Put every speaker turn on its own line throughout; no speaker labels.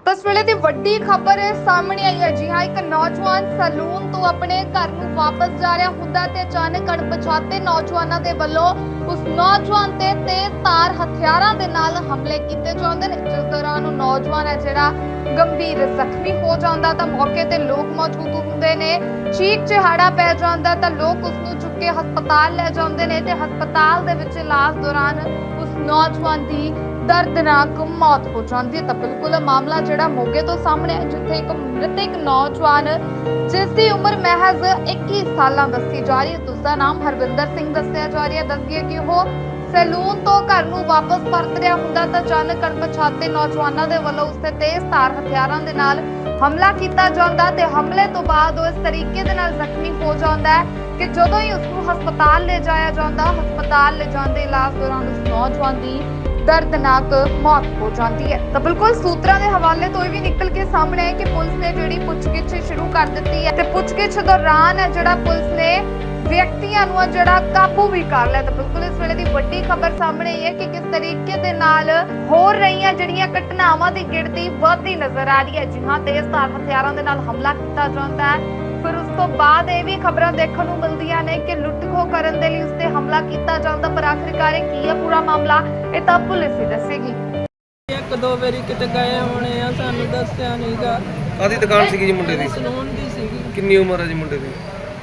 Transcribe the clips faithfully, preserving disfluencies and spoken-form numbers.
ਤਾਂ ਇਸ ਵੇਲੇ ਦੀ ਵੱਡੀ ਖਬਰ ਸਾਹਮਣੇ ਆਈ ਹੈ। ਜੀ ਹਾਂ, ਇੱਕ ਨੌਜਵਾਨ ਸੈਲੂਨ ਤੋਂ ਆਪਣੇ ਘਰ ਨੂੰ ਵਾਪਸ ਜਾ ਰਿਹਾ ਹੁੰਦਾ ਤੇ ਅਚਾਨਕ ਅਣਪਛਾਤੇ ਨੌਜਵਾਨਾਂ ਦੇ ਵੱਲੋਂ ਉਸ ਨੌਜਵਾਨ ਤੇ ਤੇਜ਼ਧਾਰ ਹਥਿਆਰਾਂ ਦੇ ਨਾਲ ਹਮਲੇ ਕੀਤੇ ਜਾਂਦੇ ਨੇ, ਜਿਸ ਦੌਰਾਨ ਉਹ ਨੌਜਵਾਨ ਹੈ ਜਿਹੜਾ ਗੰਭੀਰ ਜ਼ਖਮੀ ਹੋ ਜਾਂਦਾ ਤਾਂ ਮੌਕੇ ਤੇ ਲੋਕ ਮੌਜੂਦ ਹੁੰਦੇ ਨੇ। ਚੀਕ ਚਿਹਾੜਾ ਪੈ ਜਾਂਦਾ ਤਾਂ ਲੋਕ ਉਸ ਨੂੰ ਚੁੱਕ ਕੇ ਹਸਪਤਾਲ ਲੈ ਜਾਂਦੇ ਨੇ ਤੇ ਹਸਪਤਾਲ ਦੇ ਵਿੱਚ ਇਲਾਜ ਦੌਰਾਨ ਉਸ ਨੌਜਵਾਨ ਦੀ ਦਰਦਨਾਕ ਮੌਤ ਹੋ ਜਾਂਦੀ ਹੈ। ਤਾਂ ਬਿਲਕੁਲ ਮਾਮਲਾ ਜਿਹੜਾ ਮੋਗੇ ਤੋਂ ਸਾਹਮਣੇ ਹੈ, ਜਿੱਥੇ ਇੱਕ ਮ੍ਰਿਤਕ ਨੌਜਵਾਨ ਜਿਸ ਦੀ ਉਮਰ ਮਹਿਜ਼ ਇੱਕੀ ਸਾਲਾਂ ਦੱਸੀ ਜਾ ਰਹੀ ਹੈ, ਉਸ ਦਾ ਨਾਮ ਹਰਵਿੰਦਰ ਸਿੰਘ ਦੱਸਿਆ ਜਾ ਰਿਹਾ ਹੈ। ਦੱਸਿਆ ਕਿ ਉਹ ਸੈਲੂਨ ਤੋਂ ਘਰ ਨੂੰ ਵਾਪਸ ਪਰਤ ਰਿਹਾ ਹੁੰਦਾ ਤਾਂ ਅਚਾਨਕ ਅਣਪਛਾਤੇ ਨੌਜਵਾਨਾਂ ਦੇ ਵੱਲੋਂ ਉਸ ਤੇ ਤੇਜ਼ਧਾਰ ਹਥਿਆਰਾਂ ਦੇ ਨਾਲ ਹਮਲਾ ਕੀਤਾ ਜਾਂਦਾ ਤੇ ਹਮਲੇ ਤੋਂ ਬਾਅਦ ਉਹ ਇਸ ਤਰੀਕੇ ਦੇ ਨਾਲ ਜ਼ਖਮੀ ਹੋ ਜਾਂਦਾ ਹੈ ਕਿ ਜਦੋਂ ਹੀ ਉਸ ਨੂੰ ਹਸਪਤਾਲ ਲੈ ਜਾਇਆ ਜਾਂਦਾ, ਹਸਪਤਾਲ ਲੈ ਜਾਂਦੇ ਇਲਾਜ ਦੌਰਾਨ ਉਸ ਨੌਜਵਾਨ ਦੀ ਦਰਦਨਾਕ ਮੌਤ ਹੋ ਜਾਂਦੀ ਹੈ। ਤਾਂ ਬਿਲਕੁਲ ਸੂਤਰਾਂ ਦੇ ਹਵਾਲੇ ਤੋਂ ਇਹ ਵੀ ਨਿਕਲ ਕੇ ਸਾਹਮਣੇ ਆਇਆ ਕਿ ਪੁਲਿਸ ਨੇ ਜਿਹੜੀ ਪੁੱਛਗਿੱਛ ਸ਼ੁਰੂ ਕਰ ਦਿੱਤੀ ਹੈ ਤੇ ਪੁੱਛਗਿੱਛ ਦੌਰਾਨ ਜਿਹੜਾ ਪੁਲਿਸ ਨੇ ਵਿਅਕਤੀਆਂ ਨੂੰ ਜਿਹੜਾ ਕਾਬੂ ਵੀ ਕਰ ਲਿਆ। ਤਾਂ ਬਿਲਕੁਲ ਇਸ ਵੇਲੇ ਦੀ ਵੱਡੀ ਖਬਰ ਸਾਹਮਣੇ ਆਈ ਹੈ ਕਿ ਕਿਸ ਤਰੀਕੇ ਦੇ ਨਾਲ ਹੋ ਰਹੀਆਂ ਜਿਹੜੀਆਂ ਘਟਨਾਵਾਂ ਦੀ ਗਿਣਤੀ ਵੱਧਦੀ ਨਜ਼ਰ ਆ ਰਹੀ ਹੈ। ਜੀ ਹਾਂ, ਤੇਜ਼ਧਾਰ ਹਥਿਆਰਾਂ ਦੇ ਨਾਲ ਹਮਲਾ ਕੀਤਾ ਜਾਂਦਾ ਹੈ। ਫਿਰ ਉਸ ਤੋਂ ਬਾਅਦ ਇਹ ਵੀ ਖਬਰਾਂ ਦੇਖਣ ਨੂੰ ਮਿਲਦੀਆਂ ਨੇ ਕਿ ਲੁੱਟ-ਖੋਹ ਕਰਨ ਦੇ ਲਈ ਉਸ ਤੇ ਹਮਲਾ ਕੀਤਾ ਜਾਂਦਾ, ਪਰ ਆਖਿਰਕਾਰ ਕੀ ਹੈ ਪੂਰਾ ਮਾਮਲਾ, ਇਹ ਤਾਂ ਪੁਲਿਸ ਹੀ ਦੱਸੇਗੀ।
ਇੱਕ ਦੋ ਵਾਰੀ ਕਿਤੇ ਗਏ ਹੋਣੇ ਆ, ਸਾਨੂੰ ਦੱਸਿਆ ਨਹੀਂਗਾ।
ਕਾਹਦੀ ਦੁਕਾਨ ਸੀਗੀ ਜੀ ਮੁੰਡੇ ਦੀ?
ਸਲੂਨ ਦੀ ਸੀਗੀ।
ਕਿੰਨੀ ਉਮਰ ਹੈ ਜੀ ਮੁੰਡੇ ਦੀ?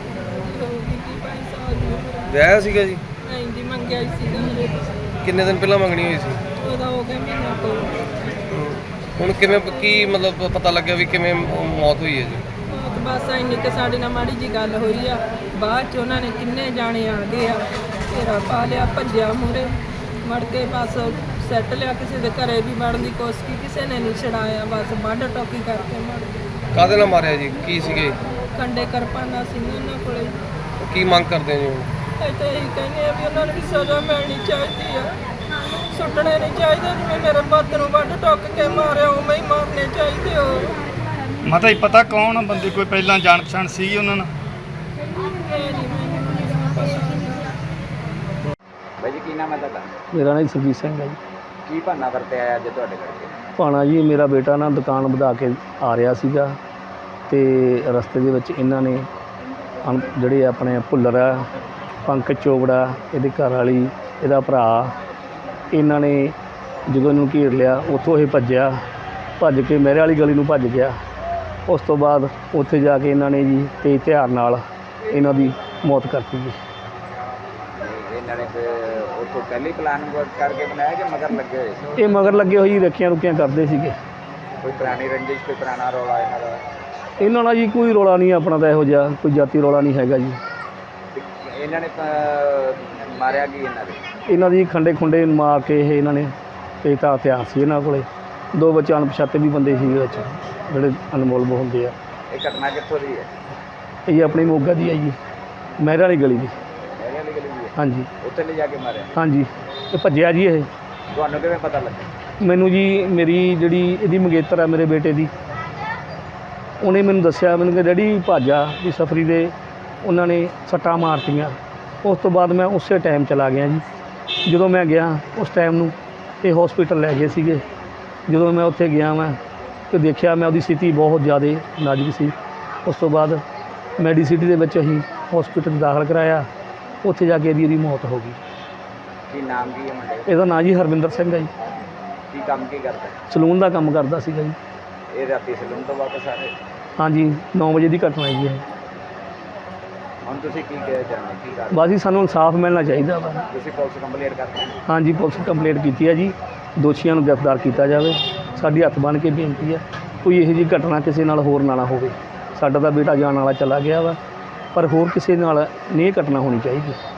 ਹੋਊਗੀ ਕੀ ਬਾਈ ਸਾਲ ਦੀ ਉਮਰ।
ਵਿਆਹ ਸੀਗਾ ਜੀ?
ਨਹੀਂ ਜੀ, ਮੰਗਿਆ ਹੀ ਸੀਗਾ ਹਲੇ ਤਾਂ।
ਕਿੰਨੇ ਦਿਨ ਪਹਿਲਾਂ ਮੰਗਣੀ ਹੋਈ ਸੀ?
ਉਹਦਾ ਹੋ ਗਿਆ ਮਹੀਨਾ ਤੋਂ।
ਹੁਣ ਕਿਵੇਂ ਕੀ ਮਤਲਬ ਪਤਾ ਲੱਗਿਆ ਵੀ ਕਿਵੇਂ ਮੌਤ ਹੋਈ ਹੈ ਜੀ?
ਉਹ ਤਾਂ ਬਸ ਇੰਨੀ ਕਿ ਸਾਡੇ ਨਾਲ ਮਾੜੀ ਜੀ ਗੱਲ ਹੋਈ ਆ, ਬਾਅਦ ਚ ਉਹਨਾਂ ਨੇ ਕਿੰਨੇ ਜਾਣੇ ਆ ਗਏ ਆ, ਘੇਰਾ ਪਾ ਲਿਆ, ਭੱਜਿਆ ਮੂਹਰੇ, ਮੜ ਕੇ ਬਸ ਸੈੱਟ ਲਿਆ, ਕਿਸੇ ਦੇ ਘਰੇ ਵੀ ਵੜਨ ਦੀ ਕੋਸ਼ਿਸ਼ ਕੀਤੀ, ਕਿਸੇ ਨੇ ਨਹੀਂ ਛਡਾਇਆ, ਬਸ ਵੱਢ ਟੋਕੀ ਕਰਕੇ ਮੜ ਗਏ।
ਕਾਹਦੇ ਨਾਲ ਮਾਰਿਆ ਜੀ? ਕੀ ਸੀਗੇ?
ਕੰਡੇ ਕਿਰਪਾਨਾਂ ਸੀ ਉਹਨਾਂ ਕੋਲੇ।
ਕੀ ਮੰਗ ਕਰਦੇ ਜੀ ਹੁਣ?
ਅਸੀਂ ਤਾਂ ਇਹੀ ਕਹਿੰਦੇ ਆ ਵੀ ਉਹਨਾਂ ਨੂੰ ਵੀ ਸਜ਼ਾ ਮਿਲਣੀ ਚਾਹੀਦੀ ਆ, ਸੁੱਟਣੇ ਨਹੀਂ ਚਾਹੀਦੇ। ਜਿਵੇਂ ਮੇਰੇ ਪੁੱਤ ਨੂੰ ਵੱਢ ਟੁੱਕ ਕੇ ਮਾਰਿਆ ਉਵੇਂ ਹੀ ਮਾਰਨੇ ਚਾਹੀਦੇ ਹੋ।
ਮਾਤਾ ਜੀ ਪਤਾ ਕੌਣ ਆ ਬੰਦੇ? ਕੋਈ ਪਹਿਲਾਂ ਜਾਣ ਪਛਾਣ ਸੀ ਉਹਨਾਂ ਨਾਲ?
ਇਹ ਨਹੀਂ ਮੈਨੂੰ ਪਤਾ।
ਬਾਈ ਜੀ, ਕੀ ਨਾਮ ਹੈ ਤੁਹਾਡਾ?
ਮੇਰਾ ਨਾਮ ਸੁਰਜੀਤ ਸਿੰਘ ਹੈ ਜੀ।
ਕੀ ਭਾਨਾ ਵਰਤਿਆ ਅੱਜ ਤੁਹਾਡੇ ਕਰਕੇ?
ਭਾਣਾ ਜੀ, ਮੇਰਾ ਬੇਟਾ ਨਾ ਦੁਕਾਨ ਵਧਾ ਕੇ ਆ ਰਿਹਾ ਸੀਗਾ ਤੇ ਰਸਤੇ ਦੇ ਵਿੱਚ ਇਹਨਾਂ ਨੇ ਅਣ- ਜਿਹੜੇ ਆਪਣੇ ਭੁੱਲਰ ਆ, ਪੰਕਜ ਚੋਪੜਾ, ਇਹਦੀ ਘਰ ਵਾਲੀ, ਇਹਦਾ ਭਰਾ, ਇਹਨਾਂ ਨੇ ਜਦੋਂ ਇਹਨੂੰ ਘੇਰ ਲਿਆ, ਉੱਥੋਂ ਇਹ ਭੱਜਿਆ, ਭੱਜ ਕੇ ਮੇਰੇ ਵਾਲੀ ਗਲੀ ਨੂੰ ਭੱਜ ਗਿਆ। ਉਸ ਤੋਂ ਬਾਅਦ ਉੱਥੇ ਜਾ ਕੇ ਇਹਨਾਂ ਨੇ ਜੀ ਤੇਜ਼ ਹਥਿਆਰ ਨਾਲ ਇਹਨਾਂ ਦੀ ਮੌਤ ਕਰਤੀ ਜੀ।
ਇਹਨਾਂ ਨੇ ਉੱਥੋਂ ਪਹਿਲੀ ਪਲਾਨ ਕਰਕੇ ਬਣਾਇਆ ਕਿ ਮਗਰ ਲੱਗੇ ਹੋਏ ਸੀ?
ਇਹ ਮਗਰ ਲੱਗੇ ਹੋਏ ਜੀ, ਰੱਖੀਆਂ ਰੁਕੀਆਂ ਕਰਦੇ ਸੀਗੇ।
ਕੋਈ ਪੁਰਾਣੀ ਰੰਜਿਸ਼, ਕੋਈ ਪੁਰਾਣਾ ਰੌਲਾ ਇਹਨਾਂ ਦਾ?
ਇਹਨਾਂ ਨਾਲ ਜੀ ਕੋਈ ਰੌਲਾ ਨਹੀਂ ਆਪਣਾ, ਤਾਂ ਇਹੋ ਜਿਹਾ ਕੋਈ ਜਾਤੀ ਰੌਲਾ ਨਹੀਂ ਹੈਗਾ ਜੀ।
ਤੇ ਇਹਨਾਂ ਨੇ ਅਹ, ਮਾਰਿਆ ਕੀ ਇਹਨਾਂ ਦੇ?
ਇਹਨਾਂ ਦੀ ਖੰਡੇ ਖੁੰਡੇ ਮਾਰ ਕੇ ਇਹ ਇਹਨਾਂ ਨੇ ਤੇ ਤਾਂ ਹਥਿਆਰ ਸੀ ਇਹਨਾਂ ਕੋਲੇ। ਦੋ ਬੱਚੇ ਅਣਪਛਾਤੇ ਵੀ ਬੰਦੇ ਸੀ ਵਿੱਚ, ਜਿਹੜੇ ਅਨਮੋਲ ਹੁੰਦੇ ਆ।
ਇਹ ਘਟਨਾ ਕਿੱਥੋਂ ਦੀ ਹੈ?
ਇਹ ਆਪਣੀ ਮੋਗਾ ਦੀ ਹੈ ਜੀ, ਮਹਿਰ ਵਾਲੀ ਗਲੀ ਦੀ।
ਮੇਰੇ ਵਾਲੀ ਗਲੀ ਦੀ ਹੈ?
ਹਾਂਜੀ
ਉੱਥੇ ਲੈ ਜਾ ਕੇ ਮਾਰਿਆ?
ਹਾਂਜੀ, ਇਹ ਭੱਜਿਆ ਜੀ। ਇਹ
ਤੁਹਾਨੂੰ ਕਿਵੇਂ ਪਤਾ ਲੱਗਾ?
ਮੈਨੂੰ ਜੀ ਮੇਰੀ ਜਿਹੜੀ ਇਹਦੀ ਮੰਗੇਤਰ ਆ ਮੇਰੇ ਬੇਟੇ ਦੀ, ਉਹਨੇ ਮੈਨੂੰ ਦੱਸਿਆ, ਮੈਨੂੰ ਕਿ ਡੈਡੀ ਭਾਜਾ ਵੀ ਸਫਰੀ ਦੇ ਉਹਨਾਂ ਨੇ ਸੱਟਾਂ ਮਾਰਤੀਆਂ। ਉਸ ਤੋਂ ਬਾਅਦ ਮੈਂ ਉਸੇ ਟਾਈਮ ਚਲਾ ਗਿਆ ਜੀ। ਜਦੋਂ ਮੈਂ ਗਿਆ ਉਸ ਟਾਈਮ ਨੂੰ ਇਹ ਹੌਸਪੀਟਲ ਲੈ ਗਏ ਸੀਗੇ। ਜਦੋਂ ਮੈਂ ਉੱਥੇ ਗਿਆ ਮੈਂ ਤੇ ਦੇਖਿਆ, ਮੈਂ ਉਹਦੀ ਸਥਿਤੀ ਬਹੁਤ ਜ਼ਿਆਦਾ ਨਾਜ਼ੁਕ ਸੀ। ਉਸ ਤੋਂ ਬਾਅਦ ਮੈਡੀਸਿਟੀ ਦੇ ਵਿੱਚ ਅਸੀਂ ਹੌਸਪੀਟਲ ਦਾਖਲ ਕਰਾਇਆ, ਉੱਥੇ ਜਾ ਕੇ ਇਹਦੀ ਇਹਦੀ ਮੌਤ ਹੋ ਗਈ।
ਕੀ ਨਾਮ ਕੀ ਹੈ ਮੁੰਡੇ ਦਾ?
ਇਹਦਾ ਨਾਂ ਜੀ ਹਰਵਿੰਦਰ ਸਿੰਘ ਹੈ ਜੀ।
ਕੀ ਕੰਮ ਕੀ ਕਰਦਾ?
ਸਲੂਨ ਦਾ ਕੰਮ ਕਰਦਾ ਸੀਗਾ ਜੀ।
ਇਹ ਰਾਤੀ ਸਲੂਨ ਤੋਂ ਵਾਪਸ ਆ ਰਹੇ?
ਹਾਂਜੀ, ਨੌ ਵਜੇ ਦੀ ਘਟਨਾ ਹੈ ਜੀ ਇਹ।
ਹੁਣ ਤੁਸੀਂ ਕੀ ਕਹਿਣਾ ਚਾਹੁੰਦੇ? ਕੀ ਕਰ
ਬਸ ਜੀ, ਸਾਨੂੰ ਇਨਸਾਫ ਮਿਲਣਾ ਚਾਹੀਦਾ ਵਾ।
ਤੁਸੀਂ ਪੁਲਿਸ ਕੰਪਲੇਂਟ ਕਰਦੇ?
ਹਾਂਜੀ, ਪੁਲਿਸ ਕੰਪਲੇਂਟ ਕੀਤੀ ਹੈ ਜੀ। ਦੋਸ਼ੀਆਂ ਨੂੰ ਗ੍ਰਿਫਤਾਰ ਕੀਤਾ ਜਾਵੇ। ਸਾਡੀ ਹੱਥ ਬੰਨ੍ਹ ਕੇ ਬੇਨਤੀ ਹੈ, ਕੋਈ ਇਹੋ ਜਿਹੀ ਘਟਨਾ ਕਿਸੇ ਨਾਲ ਹੋਰ ਨਾ ਨਾ ਹੋਵੇ। ਸਾਡਾ ਤਾਂ ਬੇਟਾ ਜਾਣ ਵਾਲਾ ਚਲਾ ਗਿਆ ਵਾ, ਪਰ ਹੋਰ ਕਿਸੇ ਨਾਲ ਨਹੀਂ ਇਹ ਘਟਨਾ ਹੋਣੀ ਚਾਹੀਦੀ।